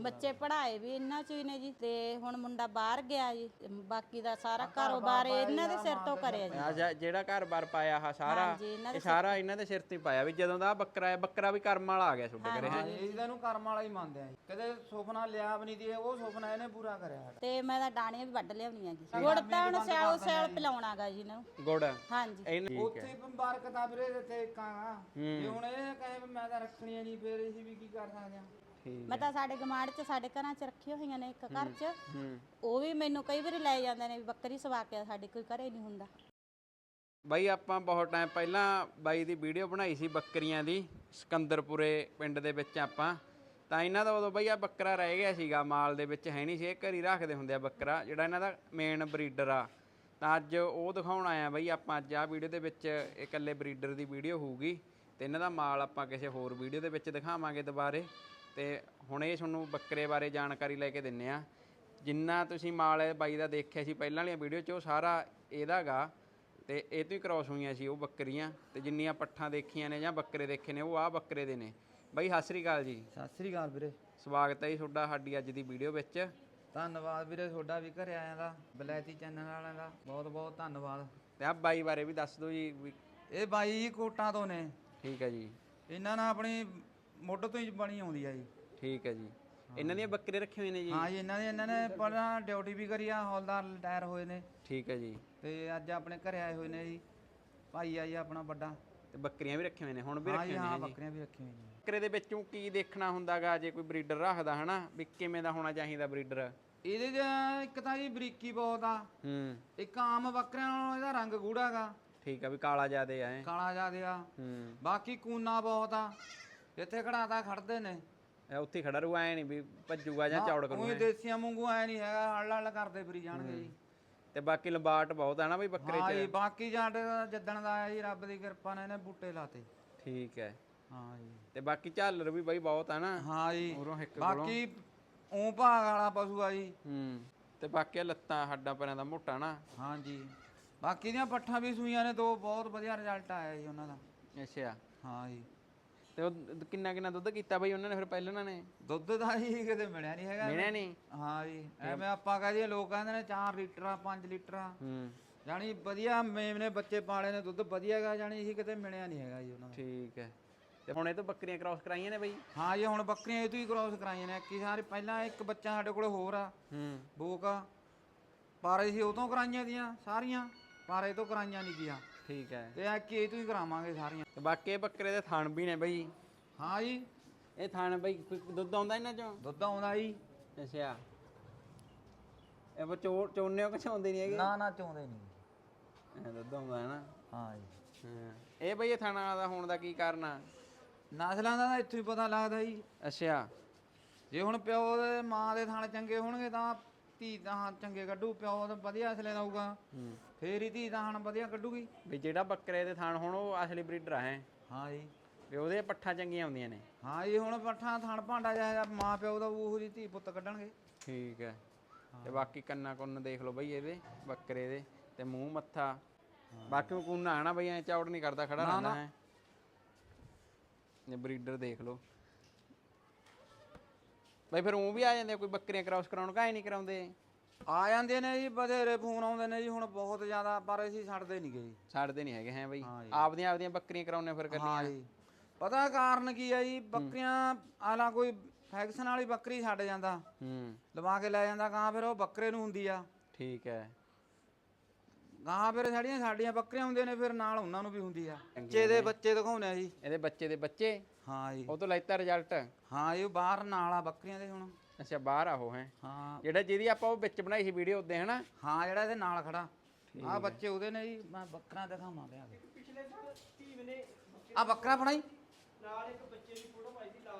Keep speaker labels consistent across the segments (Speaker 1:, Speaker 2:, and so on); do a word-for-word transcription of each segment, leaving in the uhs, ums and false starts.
Speaker 1: ਬੱਚੇ ਪੜ੍ਹਾਏ ਵੀ ਇਹਨਾਂ ਚ ਹੀ ਨੇ ਜੀ ਤੇ ਹੁਣ ਮੁੰਡਾ ਬਾਹਰ ਗਿਆ ਜੀ ਬਾਕੀ ਦਾ ਸਾਰਾ ਕਾਰੋਬਾਰ ਇਹਨਾਂ ਦੇ ਸਿਰ ਤੋਂ ਕਰਿਆ ਜੀ
Speaker 2: ਆ ਜਿਹੜਾ ਘਰ-ਬਾਰ ਪਾਇਆ ਆ ਸਾਰਾ ਇਹ ਸਾਰਾ ਇਹਨਾਂ ਦੇ ਸਿਰ ਤੇ ਪਾਇਆ ਵੀ ਜਦੋਂ ਦਾ ਬੱਕਰਾ ਹੈ ਬੱਕਰਾ ਵੀ ਕਰਮ ਵਾਲਾ ਆ ਗਿਆ ਤੁਹਾਡੇ ਘਰੇ ਹੈ
Speaker 3: ਇਹਦਾ ਨੂੰ ਕਰਮ ਵਾਲਾ ਹੀ ਮੰਨਦੇ ਆ ਕਦੇ ਸੁਪਨਾ ਲਿਆ ਵੀ ਨਹੀਂ ਦੀ ਉਹ ਸੁਪਨਾ ਇਹਨੇ ਪੂਰਾ ਕਰਿਆ
Speaker 1: ਤੇ ਮੈਂ ਤਾਂ ਡਾਣੀਆਂ ਵੀ ਵੱਢ ਲਿਆਉਣੀਆਂ ਜੀ ਗੁੜ ਤਾਂ ਹੁਣ ਸਿਆਲ ਸਿਆਲ ਪਿਲਾਉਣਾਗਾ ਜੀ ਇਹਨਾਂ ਨੂੰ
Speaker 2: ਗੁੜ
Speaker 1: ਹਾਂਜੀ
Speaker 3: ਉੱਥੇ ਮੁਬਾਰਕਤਾ ਵੀਰੇ ਤੇ ਕਾਂਗਾ ਜੇ ਹੁਣ ਇਹ ਕਹੇ ਮੈਂ ਤਾਂ ਰੱਖਣੀਆਂ ਨਹੀਂ ਫੇਰ ਅਸੀਂ ਵੀ ਕੀ ਕਰ ਸਕਦੇ ਆ
Speaker 1: ਮੈਂ ਤਾਂ ਸਾਡੇ ਗਮਾੜ ਚ ਸਾਡੇ ਘਰਾਂ ਚ ਰੱਖੀਆਂ ਹੋਈਆਂ ਨੇ ਇੱਕ ਘਰ ਚ ਉਹ ਵੀ ਮੈਨੂੰ ਕਈ ਵਾਰੀ ਲੈ ਜਾਂਦੇ ਨੇ ਵੀ ਬੱਕਰੀ ਸਵਾ ਕੇ ਸਾਡੇ ਕੋਈ ਘਰੇ ਨਹੀਂ ਹੁੰਦਾ
Speaker 2: ਬਾਈ ਆਪਾਂ ਬਹੁਤ ਟਾਈਮ ਪਹਿਲਾਂ ਬਾਈ ਦੀ ਵੀਡੀਓ ਬਣਾਈ ਸੀ ਬੱਕਰੀਆਂ ਦੀ ਸਿਕੰਦਰਪੁਰੇ ਪਿੰਡ ਦੇ ਵਿੱਚ ਆਪਾਂ ਤਾਂ ਇਹਨਾਂ ਦਾ ਉਦੋਂ ਬਈ ਆ ਬੱਕਰਾ ਰਹਿ ਗਿਆ ਸੀਗਾ ਮਾਲ ਦੇ ਵਿੱਚ ਹੈ ਨਹੀਂ ਸੀ ਇਹ ਘਰੀ ਰੱਖਦੇ ਹੁੰਦੇ ਆ ਬੱਕਰਾ ਜਿਹੜਾ ਇਹਨਾਂ ਦਾ ਮੇਨ ਬਰੀਡਰ ਆ ਤਾਂ ਅੱਜ ਉਹ ਦਿਖਾਉਣ ਆਇਆ ਬਈ ਆਪਾਂ ਅੱਜ ਆ ਵੀਡੀਓ ਦੇ ਵਿੱਚ ਇਕੱਲੇ ਬਰੀਡਰ ਦੀ ਵੀਡੀਓ ਹੋਊਗੀ ਤੇ ਇਹਨਾਂ ਦਾ ਮਾਲ ਆਪਾਂ ਕਿਸੇ ਹੋਰ ਵੀਡੀਓ ਦੇ ਵਿੱਚ ਦਿਖਾਵਾਂਗੇ ਦੁਬਾਰੇ ਤੇ ਹੁਣ ਇਹ ਤੁਹਾਨੂੰ ਬੱਕਰੇ ਬਾਰੇ ਜਾਣਕਾਰੀ ਲੈ ਕੇ ਦਿੰਨੇ ਆ ਜਿੰਨਾ ਤੁਸੀਂ ਮਾਲ ਬਾਈ ਦਾ ਦੇਖਿਆ ਸੀ ਪਹਿਲਾਂ ਵਾਲੀਆਂ ਵੀਡੀਓ 'ਚ ਉਹ ਸਾਰਾ ਇਹਦਾ ਗਾ ਤੇ ਇਹ ਤੋਂ ਹੀ ਕ੍ਰੋਸ ਹੋਈਆਂ ਸੀ ਉਹ ਬੱਕਰੀਆਂ ਤੇ ਜਿੰਨੀਆਂ ਪੱਠਾਂ ਦੇਖੀਆਂ ਨੇ ਜਾਂ ਬੱਕਰੇ ਦੇਖੇ ਨੇ ਉਹ ਆ ਬੱਕਰੇ ਦੇ ਨੇ ਬਾਈ ਸਤਿ ਸ੍ਰੀ ਅਕਾਲ ਜੀ
Speaker 3: ਸਤਿ ਸ੍ਰੀ ਅਕਾਲ ਵੀਰੇ
Speaker 2: ਸਵਾਗਤ ਹੈ ਜੀ ਤੁਹਾਡਾ ਸਾਡੀ ਅੱਜ ਦੀ ਵੀਡੀਓ ਵਿੱਚ
Speaker 3: ਧੰਨਵਾਦ ਵੀਰੇ ਤੁਹਾਡਾ ਵੀ ਘਰੇ ਆਇਆਂ ਦਾ ਬਲੈਤੀ ਚੈਨਲ ਵਾਲਿਆਂ ਦਾ ਬਹੁਤ ਬਹੁਤ ਧੰਨਵਾਦ
Speaker 2: ਤੇ ਆ ਬਾਈ ਬਾਰੇ ਵੀ ਦੱਸ ਦਿਓ ਜੀ
Speaker 3: ਇਹ ਬਾਈ ਜੀ ਕੋਟਾਂ ਤੋਂ ਨੇ
Speaker 2: ਠੀਕ ਹੈ ਜੀ
Speaker 3: ਇਹਨਾਂ ਨਾਲ ਆਪਣੀ ਮੁੱਢ ਤੋਂ ਹੀ ਬਣੀ ਆਉਂਦੀ ਆ ਜੀ
Speaker 2: ਠੀਕ ਹੈ ਜੀ ਇਹਨਾਂ ਦੀਆਂ ਬੱਕਰੇ ਰੱਖੇ ਹੋਏ ਨੇ ਜੀ
Speaker 3: ਹਾਂ ਜੀ ਇਹਨਾਂ ਦੇ ਇਹਨਾਂ ਨੇ ਪਹਿਲਾਂ ਡਿਊਟੀ ਵੀ ਕਰੀ ਆ ਹੌਲਦਾਰ ਰਿਟਾਇਰ ਹੋਏ ਨੇ
Speaker 2: ਠੀਕ ਹੈ ਜੀ
Speaker 3: ਤੇ ਅੱਜ ਆਪਣੇ ਘਰੇ ਆਏ ਹੋਏ ਨੇ ਜੀ ਭਾਈ ਆ ਜੀ ਆਪਣਾ ਵੱਡਾ
Speaker 2: ਤੇ ਬੱਕਰੀਆਂ ਵੀ ਰੱਖੀਆਂ ਹੋਏ ਨੇ ਹੁਣ ਵੀ
Speaker 3: ਹਾਂ
Speaker 2: ਰੱਖੀਆਂ
Speaker 3: ਜੀ
Speaker 2: ਹੋਈਆਂ
Speaker 3: ਹਾਂ
Speaker 2: ਨੇ
Speaker 3: ਬੱਕਰੀਆਂ ਵੀ ਰੱਖੀਆਂ ਹੋਈਆਂ ਨੇ
Speaker 2: ਬੱਕਰੇ ਦੇ ਵਿੱਚੋਂ ਕੀ ਦੇਖਣਾ ਹੁੰਦਾਗਾ ਜੇ ਕੋਈ ਬਰੀਡਰ ਰੱਖਦਾ ਹਨਾ ਵੀ ਕਿਵੇਂ ਦਾ ਹੋਣਾ ਚਾਹੀਦਾ ਬਰੀਡਰ
Speaker 3: ਇਹਦੇ ਚ ਇੱਕ ਤਾਂ ਜੀ ਬਰੀਕੀ ਬਹੁਤ ਆ
Speaker 2: ਹੂੰ
Speaker 3: ਇੱਕ ਆਮ ਬੱਕਰਿਆਂ ਨਾਲੋਂ ਇਹਦਾ ਰੰਗ ਗੂੜਾਗਾ
Speaker 2: ਠੀਕ ਆ ਵੀ ਕਾਲਾ ਜਿਆਦੇ ਆ
Speaker 3: ਕਾਲਾ ਜਿਆਦੇ ਆ
Speaker 2: ਹੂੰ
Speaker 3: ਬਾਕੀ ਕੂਨਾ ਬਹੁਤ ਆ ਜਿੱਥੇ ਖੜਾਤਾ ਖੜਦੇ ਨੇ
Speaker 2: ਇਹ ਉੱਥੇ ਖੜਾ ਰੂ ਐ ਨਹੀਂ ਵੀ ਭੱਜੂਗਾ ਜਾਂ ਚੌੜ ਕਰੂਗਾ
Speaker 3: ਉਹੀ ਦੇਸੀਆਂ ਵਾਂਗੂ ਐ ਨਹੀਂ ਹੈਗਾ ਹੱਲ ਹੱਲ ਕਰਦੇ ਫਿਰੀ ਜਾਣਗੇ ਜੀ
Speaker 2: ਤੇ ਬਾਕੀ ਲੰਬਾਟ ਬਹੁਤ ਆ ਨਾ ਬਈ ਬੱਕਰੇ
Speaker 3: ਹਾਂ ਜੀ
Speaker 2: ਚ
Speaker 3: ਬਾਕੀ ਜੱਟ ਜੱਦਣ ਦਾ ਆਇਆ ਜੀ ਰੱਬ ਦੀ ਕਿਰਪਾ ਨਾਲ ਇਹਨੇ ਬੂਟੇ ਲਾਤੇ
Speaker 2: ਠੀਕ ਹੈ
Speaker 3: ਹਾਂ ਜੀ
Speaker 2: ਤੇ ਬਾਕੀ ਝਾਲਰ ਵੀ ਬਈ ਬਹੁਤ ਆ ਨਾ
Speaker 3: ਹਾਂ ਜੀ
Speaker 2: ਉਰੋਂ ਇੱਕ ਕੋਲੋਂ
Speaker 3: ਬਾਕੀ ਊਂ ਭਾਗ ਵਾਲਾ ਪਸ਼ੂ ਆ ਜੀ
Speaker 2: ਹੂੰ ਤੇ ਬਾਕੀ ਲੱਤਾਂ ਹੱਡਾਂ ਪੈਰਾਂ ਦਾ ਮੋਟਾ ਨਾ
Speaker 3: ਹਾਂ ਜੀ ਬਾਕੀ ਦੀਆਂ ਪੱਠਾਂ ਵੀ ਸੂਈਆਂ ਨੇ ਦੋ ਬਹੁਤ ਵਧੀਆ ਰਿਜ਼ਲਟ ਆਇਆ ਜੀ ਉਹਨਾਂ ਦਾ
Speaker 2: ਅੱਛਾ
Speaker 3: ਹਾਂ ਜੀ
Speaker 2: ਤੇ ਉਹ ਕਿੰਨਾ ਕਿੰਨਾ ਦੁੱਧ ਕੀਤਾ ਬਈ ਉਹਨਾਂ ਨੇ ਫਿਰ ਪਹਿਲਾਂ ਉਹਨਾਂ ਨੇ
Speaker 3: ਦੁੱਧ ਦਾ ਹੀ ਕਿਤੇ ਮਿਲਿਆ ਨਹੀਂ ਹੈਗਾ
Speaker 2: ਮਿਲਿਆ ਨਹੀਂ
Speaker 3: ਹਾਂ ਜੀ ਐਵੇਂ ਆਪਾਂ ਕਹਦੇ ਲੋਕ ਕਹਿੰਦੇ ਨੇ ਚਾਰ ਲੀਟਰ ਆ ਪੰਜ ਲੀਟਰ ਆ
Speaker 2: ਹੂੰ
Speaker 3: ਜਾਨੀ ਵਧੀਆ ਮੇਮਨੇ ਬੱਚੇ ਪਾਲੇ ਨੇ ਦੁੱਧ ਵਧੀਆ ਹੈਗਾ ਜਾਨੀ ਇਹ ਕਿਤੇ ਮਿਲਿਆ ਨਹੀਂ ਹੈਗਾ ਜੀ ਉਹਨਾਂ ਨੂੰ
Speaker 2: ਠੀਕ ਹੈ ਤੇ ਹੁਣ ਇਹ ਤੋਂ ਬੱਕਰੀਆਂ ਕ੍ਰਾਸ ਕਰਾਈਆਂ ਨੇ ਬਈ
Speaker 3: ਹਾਂ ਜੀ ਹੁਣ ਬੱਕਰੀਆਂ ਇਹ ਤੋਂ ਹੀ ਕ੍ਰਾਸ ਕਰਾਈਆਂ ਨੇ ਕੀ ਸਾਰੇ ਪਹਿਲਾਂ ਇੱਕ ਬੱਚਾ ਸਾਡੇ ਕੋਲ ਹੋਰ ਆ
Speaker 2: ਹੂੰ
Speaker 3: ਬੋਕਾ ਪਾਰੇ ਸੀ ਉਹ ਤੋਂ ਕਰਾਈਆਂ ਦੀਆਂ ਸਾਰੀਆਂ ਪਾਰੇ ਤੋਂ ਕਰਾਈਆਂ ਨਹੀਂ ਗਿਆ
Speaker 2: ਠੀਕ ਹੈ
Speaker 3: ਤੇ ਆ ਕੀ ਇਹ ਤੋਂ ਹੀ ਕਰਾਵਾਂਗੇ ਸਾਰੀਆਂ
Speaker 2: ਤੇ ਬਾਕੀ ਇਹ ਬੱਕਰੇ ਦੇ ਥਣ ਵੀ ਨੇ ਬਈ
Speaker 3: ਹਾਂ ਜੀ
Speaker 2: ਇਹ ਥਣ ਬਈ ਕੋਈ ਦੁੱਧ ਆਉਂਦਾ ਇਹਨਾਂ ਚੋਂ
Speaker 3: ਦੁੱਧ ਆਉਂਦਾ ਜੀ
Speaker 2: ਅੱਛਾ ਇਹ ਬੋ ਚੋ ਚੋਨੇ ਕਿ ਚਾਉਂਦੇ ਨਹੀਂ ਹੈਗੇ
Speaker 3: ਨਾ ਨਾ ਚਾਉਂਦੇ ਨਹੀਂ
Speaker 2: ਇਹ ਦੁੱਧ ਆਉਂਦਾ ਹੈ ਨਾ
Speaker 3: ਹਾਂ ਜੀ
Speaker 2: ਹਾਂ ਇਹ ਬਈ ਇਹ ਥਣਾ ਦਾ ਹੋਣ ਦਾ ਕੀ ਕਾਰਨ ਆ
Speaker 3: ਨਸਲਾਂ ਦਾ ਤਾਂ ਇੱਥੋਂ ਹੀ ਪਤਾ ਲੱਗਦਾ ਜੀ
Speaker 2: ਅੱਛਾ
Speaker 3: ਜੇ ਹੁਣ ਪਿਓ ਦੇ ਮਾਂ ਦੇ ਥਣ ਚੰਗੇ ਹੋਣਗੇ ਤਾਂ ਧੀ ਤਾਂ ਚੰਗੇ ਕੱਢੂ ਪਿਓ ਤਾਂ ਵਧੀਆ ਅਸਲੇ ਦਊਗਾ
Speaker 2: ਹੂੰ
Speaker 3: ਫੇਰ ਹੀ ਧੀ ਤਾਂ ਹਣ ਵਧੀਆ ਕੱਢੂਗੀ
Speaker 2: ਵੀ ਜਿਹੜਾ ਬੱਕਰੇ ਦੇ ਥਣ ਹੁਣ ਉਹ ਅਸਲੀ ਬਰੀਡਰ ਆ ਹੈ
Speaker 3: ਹਾਂ ਜੀ
Speaker 2: ਵੀ ਉਹਦੇ ਪੱਠਾਂ ਚੰਗੀਆਂ ਆਉਂਦੀਆਂ ਨੇ
Speaker 3: ਹਾਂ ਜੀ ਹੁਣ ਪੱਠਾ ਥਣ ਭਾਂਡਾ ਜਿਹਾ ਮਾਂ ਪਿਓ ਦਾ ਉਹੋ ਜਿਹੀ ਧੀ ਪੁੱਤ ਕੱਢਣਗੇ
Speaker 2: ਠੀਕ ਹੈ ਤੇ ਬਾਕੀ ਕੰਨਾ ਕੁੰਨ ਦੇਖ ਲਓ ਬਈ ਇਹਦੇ ਬੱਕਰੇ ਦੇ ਤੇ ਮੂੰਹ ਮੱਥਾ ਬਾਕੀ ਉਹ ਕੁੰਨਾ ਹੈ ਨਾ ਬਈ ਐ ਚੌੜ ਨਹੀਂ ਕਰਦਾ ਖੜਾ ਰਹਿੰਦਾ ਹੈ ਇਹ ਬਰੀਡਰ ਦੇਖ ਲਓ ਬਈ ਫਿਰ ਉਹ ਵੀ ਆ ਜਾਂਦੇ ਕੋਈ ਬੱਕਰੀਆਂ ਕ੍ਰਾਸ ਕਰਾਉਣ ਕਾਹੇ ਨਹੀਂ ਕਰਾਉਂਦੇ
Speaker 3: ਆ ਜਾਂਦੇ ਨੇ ਜੀ ਬਥੇਰੇ ਫੋਨ ਆਉਂਦੇ ਨੇ ਜੀ ਹੁਣ ਬਹੁਤ ਜ਼ਿਆਦਾ ਪਰ ਅਸੀਂ ਛੱਡਦੇ ਨਹੀਂ ਗਏ ਜੀ
Speaker 2: ਛੱਡਦੇ ਨਹੀਂ ਹੈਗੇ ਹੈ ਬਈ ਆਪਦੀਆਂ ਆਪਦੀਆਂ ਬੱਕਰੀਆਂ ਕਰਾਉਣੇ ਫਿਰ ਕਰਨੀਆਂ
Speaker 3: ਹਾਂ ਜੀ ਪਤਾ ਕਾਰਨ ਕੀ ਆ ਜੀ ਬੱਕਰੀਆਂ ਆਲਾ ਕੋਈ ਫੈਕਸ਼ਨ ਵਾਲੀ ਬੱਕਰੀ ਛੱਡ ਜਾਂਦਾ
Speaker 2: ਹੂੰ
Speaker 3: ਲਵਾ ਕੇ ਲੈ ਜਾਂਦਾ ਗਾਂ ਫਿਰ ਉਹ ਬੱਕਰੇ ਨੂੰ ਹੁੰਦੀ ਆ
Speaker 2: ਠੀਕ ਹੈ
Speaker 3: ਗਾਂ ਫਿਰ ਸਾਡੀਆਂ ਸਾਡੀਆਂ ਬੱਕਰੀਆਂ ਹੁੰਦੀਆਂ ਨੇ ਫਿਰ ਨਾਲ ਉਹਨਾਂ ਨੂੰ ਵੀ ਹੁੰਦੀ ਆ ਬੱਚੇ ਦੇ ਬੱਚੇ ਦਿਖਾਉਂਦੇ ਆ ਜੀ
Speaker 2: ਇਹਦੇ ਬੱਚੇ ਦੇ ਬੱਚੇ
Speaker 3: ਹਾਂ ਜੀ
Speaker 2: ਉਹ ਤੋਂ ਲੈਤਾ ਰਿਜ਼ਲਟ
Speaker 3: ਹਾਂ ਇਹ ਬਾਹਰ ਨਾਲ ਆ ਬੱਕਰੀਆਂ ਦੇ ਹੁਣ
Speaker 2: ਅੱਛਾ ਬਾਹਰ ਆਹੋ ਹੈ
Speaker 3: ਹਾਂ
Speaker 2: ਜਿਹੜਾ ਜਿਹਦੀ ਆਪਾਂ ਉਹ ਵਿੱਚ ਬਣਾਈ ਸੀ ਵੀਡੀਓ ਉੱਤੇ ਹਨਾ
Speaker 3: ਹਾਂ ਜਿਹੜਾ ਇਹਦੇ ਨਾਲ ਖੜਾ ਆ ਬੱਚੇ ਉਹਦੇ ਨੇ ਜੀ ਮੈਂ ਬੱਕਰਾ ਦਿਖਾਵਾਂ ਲਿਆ ਕੇ ਪਿਛਲੇ ਸਾਲ ਟੀਮ ਨੇ ਆ ਬੱਕਰਾ ਫੜਾਈ ਨਾਲ ਇੱਕ ਬੱਚੇ ਦੀ ਫੋਟੋ ਪਾਈ ਸੀ ਲਾਲ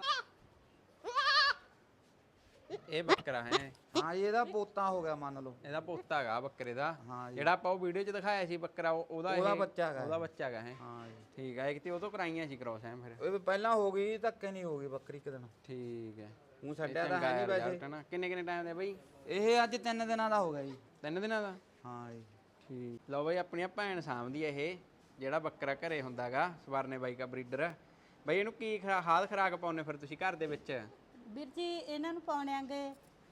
Speaker 2: ਇਹ ਬੱਕਰਾ ਹੈ
Speaker 3: ਹਾਂ ਜੀ ਇਹਦਾ ਪੋਤਾ ਹੋ ਗਿਆ ਮੰਨ ਲਓ
Speaker 2: ਇਹਦਾ ਪੋਤਾ ਹੈਗਾ ਬੱਕਰੇ ਦਾ
Speaker 3: ਹਾਂ ਜੀ
Speaker 2: ਜਿਹੜਾ ਆਪਾਂ ਉਹ ਵੀਡੀਓ 'ਚ ਦਿਖਾਇਆ ਸੀ ਬੱਕਰਾ ਉਹਦਾ
Speaker 3: ਉਹਦਾ ਬੱਚਾ ਹੈਗਾ
Speaker 2: ਉਹਦਾ ਬੱਚਾ ਹੈਗਾ ਹੈ
Speaker 3: ਹਾਂ ਜੀ
Speaker 2: ਠੀਕ ਹੈ ਇੱਕ ਤੇ ਉਹ ਤੋਂ ਕਰਾਈਆਂ ਸੀ ਕ੍ਰਾਸ ਹੈ ਫਿਰ
Speaker 3: ਇਹ ਪਹਿਲਾਂ ਹੋ ਗਈ ਧੱਕੇ ਨਹੀਂ ਹੋ ਗਈ ਬੱਕਰੀ ਇੱਕ ਦਿਨ
Speaker 2: ਠੀਕ ਹੈ
Speaker 3: ਉਹ ਛੱਡਿਆ ਤਾਂ ਹੈ ਨਹੀਂ ਵੈਸੇ
Speaker 2: ਕਿੰਨੇ ਕਿੰਨੇ ਟਾਈਮ ਦੇ ਬਈ
Speaker 3: ਇਹ ਅੱਜ ਤਿੰਨ ਦਿਨਾਂ ਦਾ ਹੋ ਗਿਆ ਜੀ
Speaker 2: ਤਿੰਨ ਦਿਨਾਂ ਦਾ
Speaker 3: ਹਾਂ ਜੀ
Speaker 2: ਠੀਕ ਲਓ ਬਈ ਆਪਣੀਆਂ ਭੈਣ ਸਾਂਭਦੀ ਇਹ ਜਿਹੜਾ ਬੱਕਰਾ ਘਰੇ ਹੁੰਦਾਗਾ ਸਵਰਨੇ ਬਾਈ ਦਾ ਬਰੀਡਰ ਬਈ ਇਹਨੂੰ ਕੀ ਖਾਦ ਖਰਾਕ ਪਾਉਨੇ ਫਿਰ ਤੁਸੀਂ ਘਰ ਦੇ ਵਿੱਚ
Speaker 1: ਵੀਰ ਜੀ ਇਹਨਾਂ ਨੂੰ ਪਾਉਣੇ ਆਂਗੇ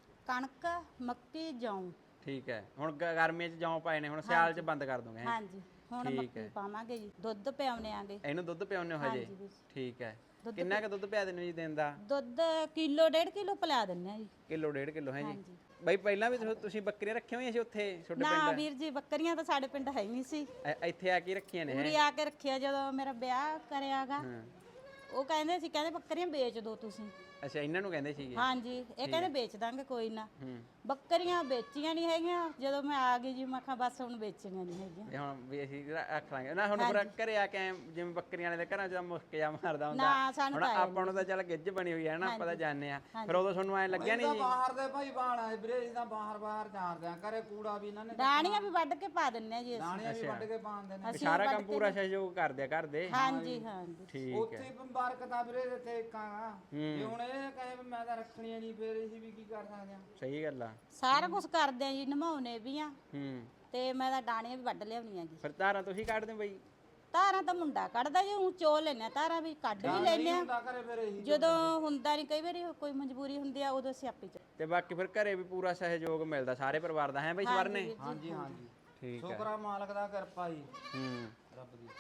Speaker 1: ਕਣਕ ਮੱਕੀ ਜੌਂ।
Speaker 2: ਠੀਕ ਹੈ, ਹੁਣ ਗ- ਗਰਮੀਆਂ 'ਚ ਜੌਂ ਪਾਏ ਨੇ, ਹੁਣ ਸਿਆਲ 'ਚ ਬੰਦ ਕਰ ਦੋਗੇ ਹੈਂ?
Speaker 1: ਹਾਂਜੀ ਹੁਣ
Speaker 2: ਠੀਕ
Speaker 1: ਮੱਕੀ
Speaker 2: ਹੈ।
Speaker 1: ਪਾਵਾਂਗੇ ਜੀ, ਦੁੱਧ ਪਿਆਉਣੇ ਆਂਗੇ।
Speaker 2: ਇਹਨੂੰ ਦੁੱਧ ਪਿਆਉਂਦੇ ਹੋ ਹਜੇ?
Speaker 1: ਹਾਂਜੀ ਵੀਰ ਜੀ।
Speaker 2: ਠੀਕ ਹੈ,
Speaker 1: ਦੁੱਧ
Speaker 2: ਕਿੰਨਾ ਕੁ ਦੁੱਧ ਪਿਆ ਦਿੰਦੇ ਹੋ ਜੀ ਦਿਨ ਦਾ?
Speaker 1: ਦੁੱਧ ਕਿਲੋ ਡੇਢ ਕਿਲੋ ਪਿਲਾ ਦਿੰਨੇ ਆ ਜੀ।
Speaker 2: ਕਿਲੋ ਡੇਢ ਕਿਲੋ ਹੈ ਜੀ?
Speaker 1: ਹਾਂਜੀ।
Speaker 2: ਬਾਈ ਪਹਿਲਾਂ ਵੀ ਤੁ- ਤੁਸੀਂ ਬੱਕਰੀਆਂ ਰੱਖੀਆਂ ਹੋਈਆਂ ਸੀ ਉੱਥੇ ਤੁਹਾਡੇ
Speaker 1: ਨਾ
Speaker 2: ਪਿੰਡ?
Speaker 1: ਵੀਰ ਜੀ ਬੱਕਰੀਆਂ ਤਾਂ ਸਾਡੇ ਪਿੰਡ ਹੈ ਹੀ ਨਹੀਂ ਸੀ।
Speaker 2: ਇ- ਇੱਥੇ ਆ ਕੇ ਰੱਖੀਆਂ ਨੇ
Speaker 1: ਉਰੀ
Speaker 2: ਹੈ?
Speaker 1: ਆ ਕੇ ਰੱਖਿਆ ਜਦੋਂ ਮੇਰਾ ਵਿਆਹ ਕਰਿਆਗਾ।
Speaker 2: ਹਾਂ।
Speaker 1: ਉਹ ਕਹਿੰਦੇ ਸੀ ਕਹਿੰਦੇ ਬੱਕਰੀਆਂ ਵੇਚ ਦਿਓ ਤੁਸੀਂ।
Speaker 2: ਅੱਛਾ, ਇਹਨਾਂ ਨੂੰ ਕਹਿੰਦੇ ਸੀਗੇ?
Speaker 1: ਹਾਂਜੀ ਇਹ ਕਹਿੰਦੇ ਵੇਚ ਦਾਂਗੇ ਕੋਈ ਨਾ।
Speaker 2: ਹੂੰ।
Speaker 1: ਬੱਕਰੀਆਂ ਵੇਚੀਆਂ ਨਹੀਂ ਹੈਗੀਆਂ। ਜਦੋਂ ਮੈਂ ਆ ਗਈ ਜੀ ਮੈਂ ਕਿਹਾ ਬਸ ਹੁਣ ਵੇਚੀਆਂ ਨਹੀਂ ਹੈਗੀਆਂ।
Speaker 2: ਇਹ ਹੁਣ ਵੀ ਅਸੀਂ ਰ- ਰੱਖ ਲਾਂਗੇ ਨਾ। ਹੁਣ ਫਿਰ ਘਰੇ ਆ ਕੇ ਐਂ ਜਿਵੇਂ ਬੱਕਰੀਆਂ ਵਾਲੇ ਦੇ ਘਰਾਂ 'ਚ ਮੁਸਕ ਜਾ ਮਾਰਦਾ ਹੁੰਦਾ।
Speaker 1: ਨਾ ਸਾਨੂੰ
Speaker 2: ਹੁਣ
Speaker 1: ਤਾਂ
Speaker 2: ਆਪਾਂ ਨੂੰ ਤਾਂ ਚੱਲ ਗਿੱਜ ਬਣੀ ਹੋਈ ਹੈ ਨਾ, ਆਪਾਂ ਤਾਂ ਜਾਣਦੇ ਆ।
Speaker 1: ਹਾਂਜੀ।
Speaker 2: ਫਿਰ ਉਦੋਂ ਤੁਹਾਨੂੰ ਐਂ ਲੱਗਿਆ ਨਹੀਂ
Speaker 3: ਤਾਂ
Speaker 2: ਜੀ?
Speaker 3: ਬਾਹਰ ਦੇ ਭਾਈ ਬਾਣਾ ਵੀਰੇ, ਅਸੀਂ ਤਾਂ ਬਾਹਰ ਬਾਹਰ ਜਾਣਦੇ ਆ। ਘਰੇ ਕੂੜਾ ਵੀ ਇਹਨਾਂ ਨੇ
Speaker 1: ਡਾਣੀਆਂ ਵੀ ਵੱਢ ਕੇ ਪਾ ਦਿੰਨੇ ਆ ਜੀ ਅਸੀਂ।
Speaker 3: ਦਾਣੀਆਂ ਵੀ ਵੱਢ ਕੇ ਪਾਉਂਦੇ ਨੇ।
Speaker 2: ਵੀ ਸਾਰਾ ਕੰਮ ਪੂਰਾ ਸਹਿਯੋਗ ਕਰਦੇ ਆ ਘਰ ਦੇ?
Speaker 1: ਹਾਂਜੀ ਹਾਂਜੀ।
Speaker 2: ਠੀਕ
Speaker 3: ਉੱਥੇ
Speaker 2: ਹੈ।
Speaker 3: ਹੀ ਮੁਬਾਰਕ ਆ ਵੀਰੇ ਇੱਥੇ ਇੱਕਾਂਗਾ। ਜੇ ਹੁਣ ਇਹ ਕਹੇ ਵੀ ਮੈਂ ਤਾਂ ਰੱਖਣੀਆਂ ਨਹੀਂ, ਫਿਰ ਅਸੀਂ ਵੀ ਕੀ ਕਰ ਸਕਦੇ ਆ?
Speaker 2: ਸਹੀ ਗੱਲ ਆ।
Speaker 1: ਸਾਰਾ ਕੁਝ ਕਰਦੇ ਆ ਜੀ, ਨਮਾਉਣੇ ਵੀ ਆ
Speaker 2: ਹੂੰ।
Speaker 1: ਤੇ ਮੈਂ ਤਾਂ ਡਾਣੀਆਂ ਵੀ ਵੱਢ ਲਿਆਉਣੀਆਂ ਜੀ।
Speaker 2: ਫਿਰ ਧਾਰਾਂ ਤੁਸੀਂ ਕੱਢਦੇ ਹੋ ਬਈ?
Speaker 1: ਧਾਰਾਂ ਤਾਂ ਮੁੰਡਾ ਕੱਢਦਾ ਜੀ, ਉਹ ਚੋ ਲੈਨੇ ਆ ਧਾਰਾਂ ਵੀ ਕੱਢ ਵੀ ਲੈਨੇ ਆ।
Speaker 3: ਹੁੰਦਾ ਘਰੇ ਫਿਰ ਇਹੀ
Speaker 1: ਜਦੋਂ ਹੁੰਦਾ ਨਹੀਂ, ਕਈ ਵਾਰੀ ਕੋਈ ਮਜਬੂਰੀ ਹੁੰਦੀ ਆ ਉਦੋਂ ਅਸੀਂ ਆਪੇ ਚ।
Speaker 2: ਤੇ ਬਾਕੀ ਫਿਰ ਘਰੇ ਵੀ ਪੂਰਾ ਸਹਿਯੋਗ ਮਿਲਦਾ ਸਾਰੇ ਪਰਿਵਾਰ ਦਾ ਹੈ ਬਈ ਸਵਰਨੇ?
Speaker 3: ਹਾਂਜੀ ਹਾਂਜੀ
Speaker 2: ਠੀਕ ਹੈ।
Speaker 3: ਸ਼ੁਕਰ ਆ ਮਾਲਕ ਦਾ, ਕਿਰਪਾ ਜੀ
Speaker 2: ਹੂੰ।
Speaker 3: ਰੱਬ ਦੀ।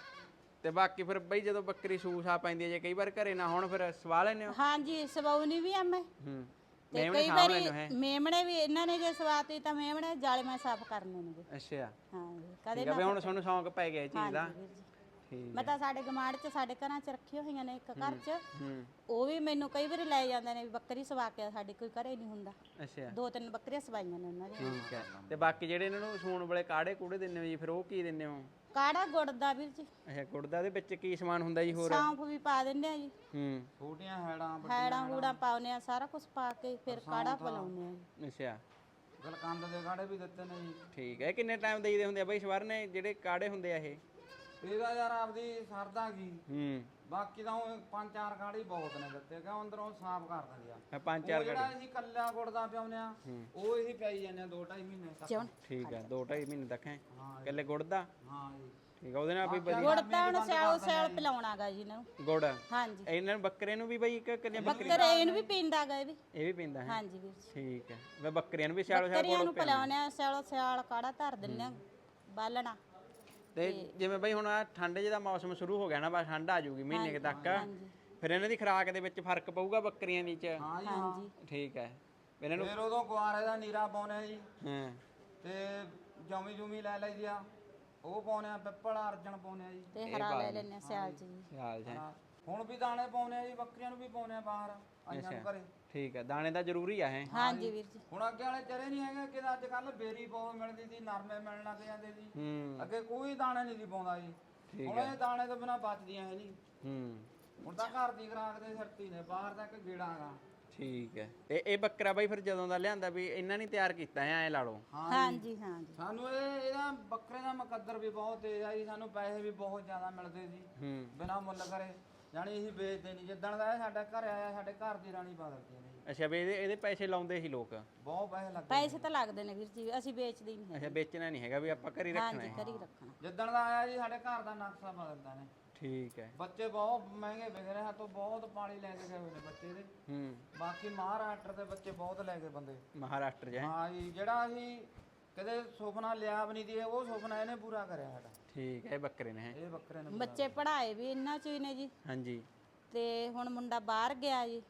Speaker 2: ਤੇ ਬਾਕੀ ਫਿਰ ਬਈ ਜਦੋਂ ਬੱਕਰੀ ਸੂਸਾ ਪੈਂਦੀ ਹੈ, ਜੇ ਕਈ ਵਾਰ ਘਰੇ ਨਾ ਹੋਣ ਫਿਰ ਸਵਾ ਲੈਨੇ ਹੋ?
Speaker 1: ਹਾਂਜੀ ਸਵਾਉਣੀ ਵੀ ਆ ਮੈਂ।
Speaker 2: ਹੂੰ।
Speaker 1: ਤੇ
Speaker 2: ਮੇਮਣੇ
Speaker 1: ਕਈ
Speaker 2: ਸਾਂਭ
Speaker 1: ਵਾਰੀ
Speaker 2: ਲੈਨੇ ਹੋ ਹੈ?
Speaker 1: ਮੇਮਣੇ ਵੀ ਇਹਨਾਂ ਨੇ ਜੇ ਸਵਾਤੀ ਤਾਂ ਮੇਮਣੇ ਜਾਲੇ ਮੈਂ ਸਾਫ਼ ਕਰਨੇ ਨੇ ਜੀ।
Speaker 2: ਅੱਛਾ,
Speaker 1: ਹਾਂ ਜੀ ਕਦੇ
Speaker 2: ਠੀਕ ਹੈ। ਵੀ ਹੁਣ ਤੁਹਾਨੂੰ ਸ਼ੌਂਕ ਪੈ ਗਿਆ ਇਹ ਚੀਜ਼ ਦਾ?
Speaker 1: ਹਾਂਜੀ ਵੀਰ ਜੀ।
Speaker 2: ਠੀਕ
Speaker 1: ਮੈਂ ਤਾਂ ਸਾਡੇ ਗਮਾੜ ਚ ਸਾਡੇ ਘਰਾਂ ਚ ਰੱਖੀਆਂ ਹੋਈਆਂ ਨੇ ਇੱਕ ਘਰ ਚ।
Speaker 2: ਹੂੰ।
Speaker 1: ਉਹ ਵੀ ਮੈਨੂੰ ਕਈ ਵਾਰੀ ਲੈ ਜਾਂਦੇ ਨੇ ਵੀ ਬੱਕਰੀ ਸਵਾ ਕੇ ਸਾਡੇ ਕੋਈ ਘਰੇ ਨਹੀਂ ਹੁੰਦਾ।
Speaker 2: ਅੱਛਾ,
Speaker 1: ਦੋ ਤਿੰਨ ਬੱਕਰੀਆਂ ਸਵਾਈਆਂ ਨੇ ਉਹਨਾਂ ਦੀਆਂ।
Speaker 2: ਠੀਕ ਹੈ। ਤੇ ਬਾਕੀ ਜਿਹੜੇ ਇਹਨਾਂ ਨੂੰ ਸੂਣ ਵਾਲੇ ਕਾੜੇ ਕੂੜੇ ਦਿੰਦੇ ਹੋ ਜੀ, ਫਿਰ ਉਹ ਕੀ ਦਿੰਦੇ ਹੋ?
Speaker 1: ਕਾੜਾ ਗੁੜ ਦਾ ਵੀਰ ਜੀ।
Speaker 2: ਅੱਛਾ, ਗੁੜ ਦਾ ਦੇ ਵਿੱਚ ਕੀ ਸਮਾਨ ਹੁੰਦਾ ਜੀ ਹੋਰ?
Speaker 1: ਸੌਂਫ ਵੀ ਪਾ ਦਿੰਦੇ ਆ ਜੀ,
Speaker 2: ਹੂੰ।
Speaker 3: ਛੋਟੀਆਂ ਹੈੜਾਂ
Speaker 1: ਹੈੜਾਂ ਹੂੜਾਂ ਪਾਉਨੇ ਆ, ਸਾਰਾ ਕੁਝ ਪਾ ਕੇ ਫਿਰ ਕਾੜਾ ਪਿਲਾਉਂਦੇ ਆ ਜੀ।
Speaker 2: ਅੱਛਾ,
Speaker 3: ਗਲਕੰਦ ਦੇ ਕਾੜੇ ਵੀ ਦਿੱਤੇ ਨੇ ਜੀ।
Speaker 2: ਠੀਕ ਹੈ। ਇਹ ਕਿੰਨੇ ਟਾਈਮ ਦੇਈਦੇ ਹੁੰਦੇ ਆ ਬਈ ਸਵਰਨੇ ਜਿਹੜੇ ਕਾੜੇ ਹੁੰਦੇ ਆ ਇਹ?
Speaker 3: ਇਹਦਾ ਯਾਰ ਆਪਦੀ ਸਰਦਾ ਕੀ,
Speaker 2: ਹੂੰ।
Speaker 3: ਬਾਕੀ ਤਾਂ ਉਹ ਪੰਜ ਚਾਰ ਕਾੜੀ ਬਹੁਤ ਨੇ ਦਿੱਤੇ, ਕਿਉਂ ਅੰਦਰੋਂ ਸਾਫ਼ ਕਰ ਦਿੰਦੇ ਆ।
Speaker 2: ਇਹ ਪੰਜ
Speaker 3: ਉਹ
Speaker 2: ਚਾਰ
Speaker 3: ਜਿਹੜਾ
Speaker 2: ਕਾੜੇ?
Speaker 3: ਅਸੀਂ ਕੱਲਾ ਗੁੜ ਦਾ ਪਿਆਉਂਦੇ ਆ, ਉਹ ਇਹੀ ਪਿਆਈ ਜਾਂਦੇ ਆ ਦੋ ਢਾਈ ਮਹੀਨੇ ਤੱਕ।
Speaker 1: ਚੌਣ
Speaker 2: ਠੀਕ ਹੈ, ਦੋ ਢਾਈ ਮਹੀਨੇ ਤੱਕ ਹੈ
Speaker 3: ਹਾਂ
Speaker 2: ਇਕੱਲੇ ਗੁੜ ਦਾ?
Speaker 3: ਹਾਂ ਜੀ।
Speaker 2: ਠੀਕ ਹੈ, ਉਹਦੇ ਨਾਲ ਵੀ ਵਧੀਆ
Speaker 1: ਗੁੜ ਤਾਂ ਹੁਣ ਸਿਆਲ ਸਿਆਲ ਪਿਲਾਉਣਾਗਾ ਜੀ ਇਹਨਾਂ ਨੂੰ।
Speaker 2: ਗੁੜ?
Speaker 1: ਹਾਂਜੀ
Speaker 2: ਇਹਨਾਂ ਨੂੰ ਬੱਕਰੇ ਨੂੰ ਵੀ ਬਈ ਇੱਕ ਕਿੰਨੇ ਬੱਕਰੀ?
Speaker 1: ਬੱਕਰੇ ਇਹਨੂੰ ਵੀ ਪੀਂਦਾਗਾ ਇਹ ਵੀ।
Speaker 2: ਇਹ ਵੀ ਪੀਂਦਾ ਹੈ?
Speaker 1: ਹਾਂਜੀ ਵੀਰ ਜੀ।
Speaker 2: ਠੀਕ ਹੈ। ਵੇ ਬੱਕਰੀਆਂ ਨੂੰ ਵੀ ਸਿਆਲੋ ਸਿਆਲ
Speaker 1: ਬੱਕਰੀਆਂ
Speaker 2: ਗੁੜ
Speaker 1: ਨੂੰ ਪਿਲਾਉਣੇ ਆ, ਸਿਆਲੋ ਸਿਆਲ ਕਾੜਾ ਧਰ ਦਿੰਨੇ ਆ ਬਾਲਣਾ।
Speaker 2: ਤੇ ਜਿਵੇਂ ਬਈ ਹੁਣ ਆ ਠੰਡ ਜਿਹਦਾ ਮੌਸਮ ਸ਼ੁਰੂ ਹੋ ਗਿਆ ਨਾ, ਬਸ ਠੰਡ ਆ ਜਾਊਗੀ ਮਹੀਨੇ ਕੁ ਤੱਕ, ਫਿਰ ਇਹਨਾਂ ਦੀ ਖੁਰਾਕ ਦੇ ਵਿੱਚ ਫਰਕ ਪਊਗਾ ਬੱਕਰੀਆਂ ਦੀ ਚ?
Speaker 3: ਹਾਂ ਜੀ ਹਾਂ।
Speaker 1: ਹਾਂਜੀ
Speaker 2: ਠੀਕ ਹੈ। ਇਹਨਾਂ ਨੂੰ
Speaker 3: ਫਿਰ ਉਦੋਂ ਕੁਆਰੇ ਦਾ ਨੀਰਾ ਪਾਉਨੇ ਜੀ,
Speaker 2: ਹਾਂ।
Speaker 3: ਤੇ ਜਮੀ ਜੁਮੀ ਲੈ ਲਈ ਆ, ਉਹ ਪਾਉਨੇ ਆ, ਪਿੱਪਲ ਅਰਜਨ ਪਾਉਨੇ ਆ ਜੀ।
Speaker 1: ਤੇ ਹਰਾ ਲੈ ਲੈਨੇ ਆ ਸਿਆਲ ਚ ਜੀ।
Speaker 2: ਸਿਆਲ ਚ ਹੈ।
Speaker 3: ਹਾਂ। ਹੁਣ ਵੀ ਦਾਣੇ ਪਾਉਨੇ ਆ ਜੀ, ਬੱਕਰੀਆਂ ਨੂੰ ਵੀ ਪਾਉਨੇ ਆ ਬਾਹਰ ਆਈਆਂ ਨੂੰ ਘਰੇ।
Speaker 2: ਠੀਕ ਹੈ, ਦਾਣੇ ਦਾ ਜ਼ਰੂਰੀ ਆ ਹੈ?
Speaker 1: ਹਾਂਜੀ ਵੀਰ ਜੀ।
Speaker 3: ਹੁਣ ਅੱਗੇ ਵਾਲੇ ਚਰੇ ਨਹੀਂ ਹੈਗੇ ਕਿ ਅੱਜ ਕੱਲ ਬੇਰੀ ਬਹੁਤ ਮਿਲਦੀ ਸੀ, ਨਰਮੇ ਮਿਲਣ ਲੱਗ ਜਾਂਦੇ ਸੀ।
Speaker 2: ਹੂੰ।
Speaker 3: ਅੱਗੇ ਕੋਈ ਦਾਣਾ ਨਹੀਂ ਸੀ ਪਾਉਂਦਾ ਜੀ।
Speaker 2: ਠੀਕ
Speaker 3: ਹੁਣ ਇਹ ਦਾਣੇ ਤੋਂ ਬਿਨਾ ਬਚਦੀਆਂ ਹੈ ਨਹੀਂ।
Speaker 2: ਹੂੰ।
Speaker 3: ਹੁਣ ਤਾਂ ਘਰ ਦੀ ਖਰਾਕ ਦੇ ਸਿਰਤੀ ਨੇ, ਬਾਹਰ ਦਾ ਇੱਕ ਗੇੜਾ ਹੈਗਾ।
Speaker 2: ਠੀਕ ਹੈ। ਤੇ ਇਹ ਬੱਕਰਾ ਬਾਈ ਫਿਰ ਜਦੋਂ ਦਾ ਲਿਆਂਦਾ ਵੀ ਇਹਨਾਂ ਨੇ ਤਿਆਰ ਕੀਤਾ ਹੈ ਐ ਲਾ ਲਓ?
Speaker 1: ਹਾਂਜੀ ਹਾਂਜੀ।
Speaker 3: ਸਾਨੂੰ ਇਹ ਇਹਦਾ ਬੱਕਰੇ ਦਾ ਮੁਕੱਦਰ ਵੀ ਬਹੁਤ ਤੇਜ਼ ਆ ਜੀ, ਸਾਨੂੰ ਪੈਸੇ ਵੀ ਬਹੁਤ ਜ਼ਿਆਦਾ ਮਿਲਦੇ ਸੀ
Speaker 2: ਹੂੰ।
Speaker 3: ਬਿਨਾ ਮੁੱਲ ਕਰੇ, ਜਾਣੀ ਅਸੀਂ ਵੇਚਦੇ ਨਹੀਂ। ਜਿੱਦਣ ਦਾ ਇਹ ਸਾਡੇ ਘਰ ਆਇਆ, ਸਾਡੇ ਘਰ ਦੀ ਰਾਣੀ ਪਾ ਦਿੱਤੀ ਨੇ ਜੀ।
Speaker 2: ਅੱਛਾ, ਵੀ ਇਹਦੇ ਇਹਦੇ ਪੈਸੇ ਲਾਉਂਦੇ ਸੀ ਲੋਕ?
Speaker 3: ਬਹੁਤ ਪੈਸੇ ਲੱਗਦੇ
Speaker 1: ਪੈਸੇ ਤਾਂ ਲੱਗਦੇ ਨੇ ਵੀਰ ਜੀ, ਅਸੀਂ ਵੇਚਦੇ ਹੀ ਨਹੀਂ
Speaker 2: ਅੱਛਾ, ਵੇਚਣਾ ਨਹੀਂ ਹੈਗਾ ਵੀ ਆਪਾਂ ਘਰੇ ਰੱਖਣਾ
Speaker 1: ਹਾਂਜੀ
Speaker 2: ਹੈ?
Speaker 1: ਘਰੀ ਰੱਖਣਾ।
Speaker 3: ਜਿੱਦਣ ਦਾ ਆਇਆ ਜੀ ਸਾਡੇ ਘਰ ਦਾ ਨਕਸ਼ਾ ਬਦਲਦਾ ਨੇ।
Speaker 2: ਠੀਕ ਹੈ।
Speaker 3: ਬੱਚੇ ਬਹੁਤ ਮਹਿੰਗੇ ਵਿਕ ਰਹੇ, ਹੱਥੋਂ ਬਹੁਤ ਪਾਣੀ ਲੈ ਕੇ ਗਏ ਹੋਏ ਨੇ ਬੱਚੇ ਦੇ।
Speaker 2: ਹੂੰ।
Speaker 3: ਬਾਕੀ ਮਹਾਰਾਸ਼ਟਰ ਦੇ ਬੱਚੇ ਬਹੁਤ ਲੈ ਕੇ ਬੰਦੇ।
Speaker 2: ਮਹਾਰਾਸ਼ਟਰ 'ਚ ਹੈ?
Speaker 3: ਹਾਂ ਜੀ, ਜਿਹੜਾ ਅਸੀਂ ਕਦੇ ਸੁਪਨਾ ਲਿਆ ਵੀ ਨਹੀਂ ਦੀ, ਉਹ ਸੁਪਨਾ ਇਹਨੇ ਪੂਰਾ ਕਰਿਆ ਸਾਡਾ।
Speaker 2: ਠੀਕ ਹੈ, ਇਹ ਬੱਕਰੇ ਨੇ ਹੈ?
Speaker 3: ਇਹ ਬੱਕਰੇ ਨੇ।
Speaker 1: ਬੱਚੇ ਪੜ੍ਹਾਏ ਵੀ ਇਹਨਾਂ ਚ ਹੀ ਨੇ ਜੀ।
Speaker 2: ਹਾਂਜੀ।
Speaker 1: ਤੇ ਹੁਣ ਮੁੰਡਾ ਬਾਹਰ ਗਿਆ ਜੀ,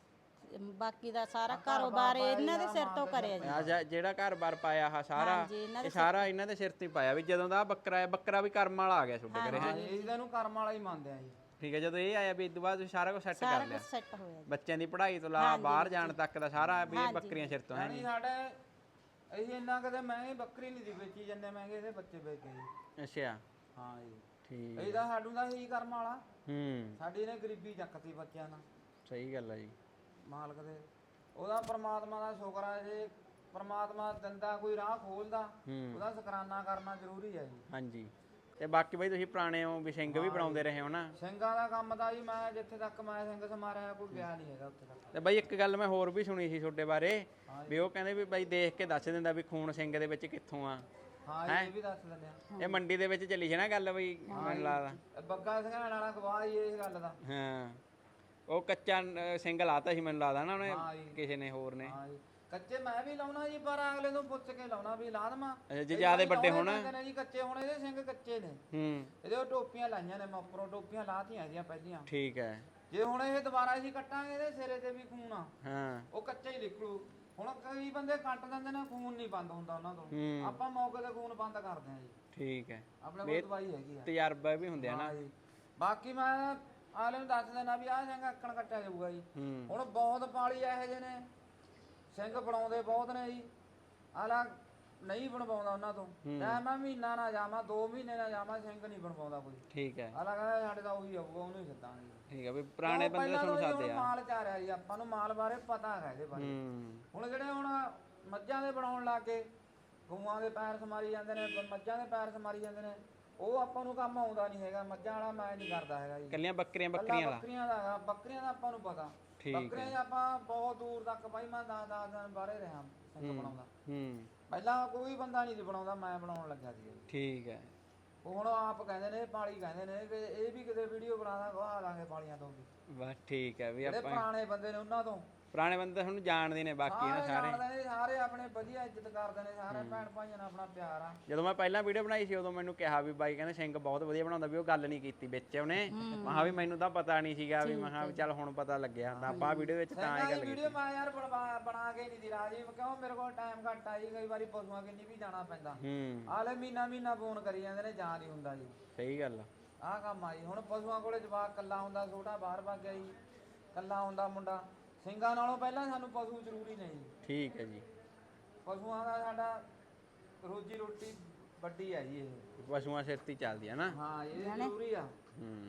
Speaker 1: ਬਾਕੀ ਦਾ ਸਾਰਾ ਕਾਰੋਬਾਰ ਇਹਨਾਂ ਦੇ ਸਿਰ ਤੋਂ ਕਰਿਆ ਜੀ।
Speaker 2: ਆ ਜਾ- ਜਿਹੜਾ ਘਰ-ਬਾਰ ਪਾਇਆ ਆ ਸਾਰਾ,
Speaker 1: ਹਾਂਜੀ, ਇਹਨਾਂ
Speaker 2: ਇਹ ਸਾਰਾ ਇਹਨਾਂ ਦੇ ਸਿਰ ਤੇ ਹੀ ਪਾਇਆ ਵੀ ਜਦੋਂ ਦਾ ਆਹ ਬੱਕਰਾ ਆਇਆ, ਬੱਕਰਾ ਵੀ ਕਰਮ ਵਾਲਾ ਆ ਗਿਆ ਤੁਹਾਡੇ ਘਰੇ ਹੈ?
Speaker 3: ਹਾਂ ਜੀ, ਇਹਨੂੰ ਕਰਮ ਵਾਲਾ ਹੀ ਮੰਨਦੇ ਆ ਜੀ।
Speaker 2: ਠੀਕ ਹੈ। ਜਦੋਂ ਇਹ ਆਇਆ ਵੀ ਇਸ ਤੋਂ ਬਾਅਦ ਤੁਸੀਂ ਸਾਰਾ ਕੁਝ ਸੈੱਟ
Speaker 1: ਸਾਰਾ
Speaker 2: ਕਰ ਲਿਆ?
Speaker 1: ਕੁਝ ਸੈੱਟ ਹੋਇਆ ਜੀ।
Speaker 2: ਬੱਚਿਆਂ ਦੀ ਪੜ੍ਹਾਈ ਤੋਂ ਲਾ ਬਾਹਰ ਜਾਣ ਤੱਕ ਦਾ ਸਾਰਾ ਵੀ ਇਹ ਬੱਕਰੀਆਂ ਸਿਰ ਤੋਂ ਹੈ?
Speaker 3: ਯਾਨੀ ਸਾਡੇ ਅਸੀਂ ਇੰਨਾ ਕਦੇ ਮਹਿੰਗੀ ਬੱਕਰੀ ਨਹੀਂ ਦੀ ਵੇਚੀ, ਜਿੰਨੇ ਮਹਿੰਗੇ ਇਹਦੇ ਬੱਚੇ ਵੇਚ ਗਏ ਜੀ।
Speaker 2: ਅੱਛਾ।
Speaker 3: ਹਾਂ ਜੀ।
Speaker 2: ਠੀਕ।
Speaker 3: ਇਹਦਾ ਸਾਡੂ ਦਾ ਹੀ ਕਰਮ ਵਾਲਾ,
Speaker 2: ਹੂੰ।
Speaker 3: ਸਾਡੀ ਨੇ ਗਰੀਬੀ ਚੱਕਤੀ ਬੱਚਿਆਂ ਨਾਲ।
Speaker 2: ਸਹੀ ਗੱਲ ਆ ਜੀ।
Speaker 3: ਮਾਲਕ ਦੇ ਉਹਦਾ ਪ੍ਰਮਾਤਮਾ ਦਾ ਸ਼ੁਕਰ ਹੈ ਜੇ ਪ੍ਰਮਾਤਮਾ ਦਿੰਦਾ ਕੋਈ ਰਾਹ ਖੋਲਦਾ,
Speaker 2: ਹੂੰ।
Speaker 3: ਉਹਦਾ ਸ਼ੁਕਰਾਨਾ ਕਰਨਾ ਜ਼ਰੂਰੀ ਹੈ ਜੀ।
Speaker 2: ਹਾਂਜੀ। ਤੇ ਬਾਕੀ ਬਈ ਤੁਸੀਂ ਪੁਰਾਣੇ ਹੋ ਵੀ ਸਿੰਘ ਵੀ ਬਣਾਉਂਦੇ ਰਹੇ ਹੋ ਨਾ?
Speaker 3: ਸਿੰਘਾਂ ਦਾ ਕੰਮ ਦਾ ਜੀ, ਮੈਂ ਜਿੱਥੇ ਤੱਕ ਮੈਂ ਸਿੰਘ ਸਮਾਰਿਆ ਕੋਈ ਗਿਆ ਨਹੀਂ ਹੈਗਾ ਉੱਥੇ ਤੱਕ।
Speaker 2: ਤੇ ਬਾਈ ਇੱਕ ਗੱਲ ਮੈਂ ਹੋਰ ਵੀ ਸੁਣੀ ਸੀ ਤੁਹਾਡੇ ਬਾਰੇ, ਵੀ ਉਹ ਕਹਿੰਦੇ ਵੀ ਬਾਈ ਦੇਖ ਕੇ ਦੱਸ ਦਿੰਦਾ ਵੀ ਖੂਨ ਸਿੰਘ ਦੇ ਵਿੱਚ ਕਿੱਥੋਂ ਆ।
Speaker 3: ਹਾਂ ਇਹ ਵੀ ਦੱਸ ਦਿੰਦੇ ਆ।
Speaker 2: ਇਹ ਮੰਡੀ ਦੇ ਵਿੱਚ ਚੱਲੀ ਸੀ ਨਾ ਗੱਲ ਬਈ, ਮੈਨੂੰ ਲੱਗਦਾ?
Speaker 3: ਇਹ ਬੱਗਾ ਸਿੰਘਾਂ ਵਾਲਾ ਗਵਾਹ ਹੀ ਇਸ ਗੱਲ ਦਾ।
Speaker 2: ਹਾਂ। ਉਹ ਕੱਚਾ ਅ, ਸਿੰਘ ਲਾਤਾ ਸੀ ਮੈਨੂੰ ਲੱਗਦਾ ਨਾ ਉਹਨੇ
Speaker 3: ਹਾਂ ਜੀ।
Speaker 2: ਕਿਸੇ ਨੇ ਹੋਰ ਨੇ।
Speaker 3: ਹਾਂ ਜੀ ਕੱਚੇ ਮੈਂ ਵੀ ਲਾਉਣਾ ਜੀ ਪਰ ਅਗਲੇ ਤੋਂ ਪੁੱਛ ਕੇ ਲਾਉਣਾ ਵੀ ਲਾ ਦੇਵਾਂ।
Speaker 2: ਅੱਛਾ, ਜੇ ਜ਼ਿਆਦੇ ਵੱਡੇ ਹੋਣ।
Speaker 3: ਕਹਿੰਦੇ ਨੇ ਜੀ ਕੱਚੇ ਹੁਣ ਇਹਦੇ ਸਿੰਘ ਕੱਚੇ ਨੇ।
Speaker 2: ਹੂੰ
Speaker 3: ਇਹਦੇ ਉਹ ਟੋਪੀਆਂ ਲਾਈਆਂ ਨੇ ਮੈਂ ਉੱਪਰੋਂ ਟੋਪੀਆਂ ਲਾਤੀਆਂ ਇਹਦੀਆਂ ਪਹਿਲੀਆਂ।
Speaker 2: ਠੀਕ ਹੈ।
Speaker 3: ਜੇ ਹੁਣ ਇਹ ਦੁਬਾਰਾ ਅਸੀਂ ਕੱਟਾਂਗੇ ਇਹਦੇ ਸਿਰੇ ਤੇ ਵੀ ਖੂਨ ਆ
Speaker 2: ਹਾਂ
Speaker 3: ਉਹ ਕੱਚਾ ਹੀ ਨਿਕਲੂ। ਹੁਣ ਕਈ ਬੰਦੇ ਕੱਟ ਦਿੰਦੇ ਨੇ ਖੂਨ ਨਹੀਂ ਬੰਦ ਹੁੰਦਾ ਉਹਨਾਂ ਤੋਂ।
Speaker 2: ਹੂੰ
Speaker 3: ਆਪਾਂ ਮੌਕੇ ਤੇ ਖੂਨ ਬੰਦ ਕਰਦੇ ਹਾਂ ਜੀ।
Speaker 2: ਠੀਕ ਹੈ।
Speaker 3: ਆਪਣੇ ਕੋਲ ਦਵਾਈ ਹੈਗੀ ਆ।
Speaker 2: ਤਜਰਬਾ ਵੀ ਹੁੰਦੇ ਆ ਨਾ।
Speaker 3: ਹਾਂ ਜੀ ਬਾਕੀ ਮੈਂ ਆਲੇ ਨੂੰ ਦੱਸ ਦੇਣਾ ਵੀ ਆਹ ਸਿੰਘ ਅੱਕਣ ਕੱਟਿਆ ਜਾਊਗਾ ਜੀ।
Speaker 2: ਹੂੰ
Speaker 3: ਹੁਣ ਬਹੁਤ ਪਾਲੀ ਇਹੋ ਜਿਹੇ ਨੇ ਸਿੰਘ ਬਣਾਉਂਦੇ ਬਹੁਤ ਨੇ ਜੀ। ਆਲਾ ਨਹੀਂ ਬਣਵਾਉਂਦਾ ਉਹਨਾਂ ਤੋਂ ਚਾਹੇ ਮੈਂ ਮਹੀਨਾ ਨਾ ਜਾਵਾਂ ਦੋ ਮਹੀਨੇ ਨਾ ਜਾਵਾਂ ਸਿੰਘ ਨਹੀਂ ਬਣਵਾਉਂਦਾ ਕੋਈ।
Speaker 2: ਠੀਕ ਹੈ।
Speaker 3: ਆਲਾ ਕਹਿੰਦਾ ਸਾਡੇ ਤਾਂ ਉਹੀ ਆਊਗਾ ਉਹਨੂੰ ਹੀ ਸੱਦਾਂਗੇ।
Speaker 2: ਠੀਕ ਹੈ ਵੀ ਪੁਰਾਣੇ
Speaker 3: ਕਿਉਂ
Speaker 2: ਬੰਦੇ
Speaker 3: ਪਹਿਲਾਂ
Speaker 2: ਤੁਹਾਨੂੰ
Speaker 3: ਤੋਂ ਜੀ
Speaker 2: ਸਾਦੇ
Speaker 3: ਹੁਣ
Speaker 2: ਆ।
Speaker 3: ਮਾਲ ਚਾਰਿਆ ਜੀ ਆਪਾਂ ਨੂੰ ਮਾਲ ਬਾਰੇ ਪਤਾ ਹੈਗਾ ਇਹਦੇ ਬਾਰੇ।
Speaker 2: ਹੂੰ
Speaker 3: ਹੁਣ ਜਿਹੜੇ ਹੁਣ ਮੱਝਾਂ ਦੇ ਬਣਾਉਣ ਲੱਗ ਗਏ ਗਊਆਂ ਦੇ ਪੈਰ ਸਮਾਰੀ ਜਾਂਦੇ ਨੇ ਮੱਝਾਂ ਦੇ ਪੈਰ ਸਮਾਰੀ ਜਾਂਦੇ ਨੇ ਉਹ ਆਪਾਂ ਨੂੰ ਕੰਮ ਆਉਂਦਾ ਨਹੀਂ ਹੈਗਾ। ਮੱਝਾਂ ਵਾਲਾ ਮੈਂ ਨਹੀਂ ਕਰਦਾ ਹੈਗਾ ਜੀ।
Speaker 2: ਕੱਲੀਆਂ ਬੱਕਰੀਆਂ
Speaker 3: ਕੱਲਾ
Speaker 2: ਬੱਕਰੀਆਂ ਵਾਲਾ।
Speaker 3: ਬੱਕਰੀਆਂ ਦਾ ਹੈਗਾ ਬੱਕਰੀਆਂ ਦਾ ਆਪਾਂ ਨੂੰ ਪਤਾ।
Speaker 2: ਠੀਕ ਹੈ।
Speaker 3: ਬੱਕਰੀਆਂ 'ਚ ਆਪਾਂ ਬਹੁਤ ਦੂਰ ਤੱਕ ਬਾਈ ਮੈਂ ਦਸ ਦਸ ਦਿਨ ਬਾਹਰੇ ਰਿਹਾ ਸਿੰਘ ਬਣਾਉਂਦਾ।
Speaker 2: ਹੂੰ
Speaker 3: ਪਹਿਲਾਂ ਕੋਈ ਬੰਦਾ ਨਹੀਂ ਸੀ ਬਣਾਉਂਦਾ ਮੈਂ ਬਣਾਉਣ ਲੱਗਿਆ ਸੀ।
Speaker 2: ਠੀਕ ਹੈ।
Speaker 3: ਉਹ ਹੁਣ ਆਪ ਕਹਿੰਦੇ ਨੇ ਪਾਲੀ ਕਹਿੰਦੇ ਨੇ ਕਿ ਇਹ ਵੀ ਕਿਤੇ ਵੀਡੀਓ ਬਣਾਦਾ ਗਵਾ ਦਾਂਗੇ ਪਾਲੀਆਂ ਤੋਂ ਵੀ।
Speaker 2: ਬਸ ਠੀਕ ਹੈ ਵੀ
Speaker 3: ਜਿਹੜੇ
Speaker 2: ਆਪਾਂ
Speaker 3: ਪੁਰਾਣੇ ਬੰਦੇ ਨੇ ਉਹਨਾਂ ਤੋਂ
Speaker 2: ਪੁਰਾਣੇ ਬੰਦੇ ਤਾਂ ਤੁਹਾਨੂੰ ਜਾਣਦੇ ਨੇ ਬਾਕੀ ਨਾ
Speaker 3: ਸਾਰੇ
Speaker 2: ਸਾਰੇ।
Speaker 3: ਜਾਣਦੇ ਨੇ ਸਾਰੇ ਆਪਣੇ ਵਧੀਆ ਇੱਜ਼ਤ ਕਰਦੇ ਨੇ ਸਾਰੇ ਭੈਣ ਭਾਈਆਂ ਨਾਲ ਆਪਣਾ ਪਿਆਰ ਆ।
Speaker 2: ਜਦੋਂ ਮੈਂ ਪਹਿਲਾਂ ਵੀਡੀਓ ਬਣਾਈ ਸੀ ਉਦੋਂ ਮੈਨੂੰ ਕਿਹਾ ਵੀ ਬਾਈ ਕਹਿੰਦਾ ਸਿੰਘ ਬਹੁਤ ਵਧੀਆ ਬਣਾਉਂਦਾ ਵੀ ਉਹ ਗੱਲ ਨਹੀਂ ਕੀਤੀ ਵਿੱਚ ਉਹਨੇ। ਮੈਂ ਕਿਹਾ ਵੀ ਮੈਨੂੰ ਤਾਂ ਪਤਾ ਨਹੀਂ ਸੀਗਾ ਵੀ ਮੈਂ ਕਿਹਾ ਵੀ ਚੱਲ ਹੁਣ ਪਤਾ ਲੱਗਿਆ ਤਾਂ ਆਪਾਂ ਵੀਡੀਓ ਵਿੱਚ ਤਾਂ ਇਹ ਗੱਲ ਕੀਤੀ।
Speaker 3: ਵੀਡੀਓ ਮੈਂ ਯਾਰ ਬਣਵਾ ਬਣਾ ਕੇ ਨਹੀਂ ਦੀ ਰਾਜੀ ਕਿਉਂ ਮੇਰੇ ਕੋਲ ਟਾਈਮ ਘੱਟ ਆ ਜੀ ਕਈ ਵਾਰੀ ਪਸ਼ੂਆਂ ਕਿੰਨੀ ਵੀ ਜਾਣਾ ਪੈਂਦਾ।
Speaker 2: ਹੂੰ
Speaker 3: ਆਲੇ ਮਹੀਨਾ ਮਹੀਨਾ ਫੋਨ ਕਰੀ ਜਾਂਦੇ ਨੇ ਜਾਂ ਨਹੀਂ ਹੁੰਦਾ ਜੀ।
Speaker 2: ਸਹੀ ਗੱਲ ਆ।
Speaker 3: ਆਹ ਕੰਮ ਆ ਜੀ ਹੁਣ ਪਸ਼ੂਆਂ ਕੋਲੇ ਜਵਾਕ ਕੱਲਾ ਹੁੰਦਾ ਛੋਟਾ ਬਾਹਰ ਭੱਗ ਗਿਆ ਜੀ ਕੱਲਾ ਹੁੰਦਾ ਮੁੰਡਾ। ਸਿੰਘਾਂ ਨਾਲੋਂ ਪਹਿਲਾਂ ਸਾਨੂੰ ਪਸ਼ੂ ਜ਼ਰੂਰੀ ਨੇ ਜੀ।
Speaker 2: ਠੀਕ ਹੈ ਜੀ।
Speaker 3: ਪਸ਼ੂਆਂ ਦਾ ਸਾਡਾ ਰੋਜੀ ਰੋਟੀ ਵੱਡੀ ਹੈ ਜੀ ਇਹ।
Speaker 2: ਪਸ਼ੂਆਂ ਸਿਰ ਤੇ ਹੀ ਚੱਲਦੀ ਹੈ ਨਾ।
Speaker 3: ਹਾਂ ਇਹ ਜ਼ਰੂਰੀ ਆ।
Speaker 2: ਹੂੰ